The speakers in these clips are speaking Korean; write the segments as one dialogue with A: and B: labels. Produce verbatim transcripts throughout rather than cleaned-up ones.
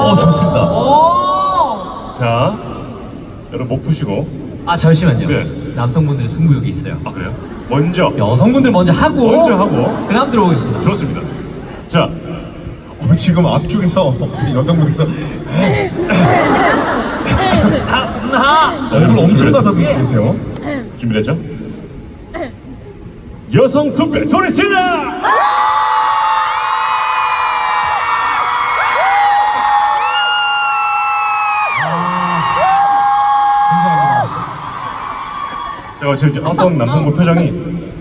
A: 어, 좋습니다.
B: 오.
C: 자, 여러분 목 푸시고.
A: 아, 잠시만요.
C: 네.
A: 남성분들의 승부욕이 있어요.
C: 아 그래요? 먼저
A: 여성분들 먼저 하고
C: 먼저 하고
A: 그다음 들어보겠습니다.
C: 좋습니다. 자,
D: 어, 지금 앞쪽에서 여성분께서
A: 하.
D: 얼굴 엄청 가다듬고 계세요.
C: 준비됐죠? 여성 숲에 소리 질러! 자, 지금 어떤 남성분 표정이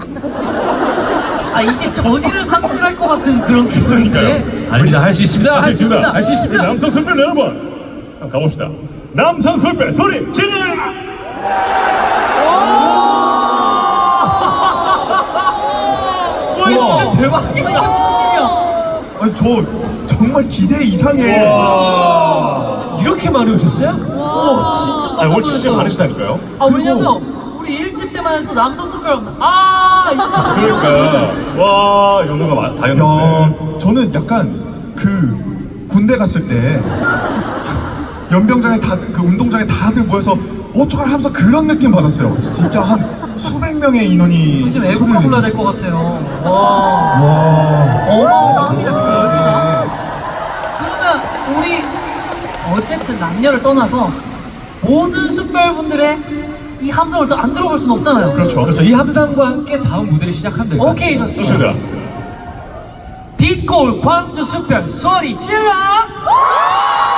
B: 아 이게 전의를 상실할 것 같은 그런 기분인데.
A: 아닙니다. 할 수 있습니다.
C: 할 수 있습니다.
A: 할 수 있습니다.
C: 남성 숲에 여러분 한번 가봅시다. 남성 숲에 소리 질러!
A: 와, 진짜 대박이다.
D: 아니, 저 정말 기대 이상의
A: 이렇게 많이 오셨어요?
B: 와 진짜
C: 아,
B: 깜짝
C: 올 진짜
B: 놀랐어요.
C: 많으시다니까요?
B: 아 왜냐면 우리 일 집 때만 해도 남성 숟가락 아 이거
C: 그러니까 와 연도가 많- 다
D: 야,
C: 연도인데
D: 저는 약간 그 군대 갔을 때 연병장에 다들 그 운동장에 다들 모여서 어쩌할 하면서 그런 느낌 받았어요. 진짜 한 수백 명의 인원이
B: 지금 애국가
D: 소리를
B: 불러야 될 것 같아요. 와
D: 와.
B: 어마어마합니다 지금 여기가. 그러면 우리 어쨌든 남녀를 떠나서 모든 숯별분들의 이 함성을 또 안 들어볼 수는 없잖아요.
C: 그렇죠.
A: 그렇죠. 이 함상과 함께 다음 무대를 시작하면 될 것 같습니다.
B: 오케이 좋습니다.
C: 좋습니다.
B: 빛골 광주 숯별 소리 질러!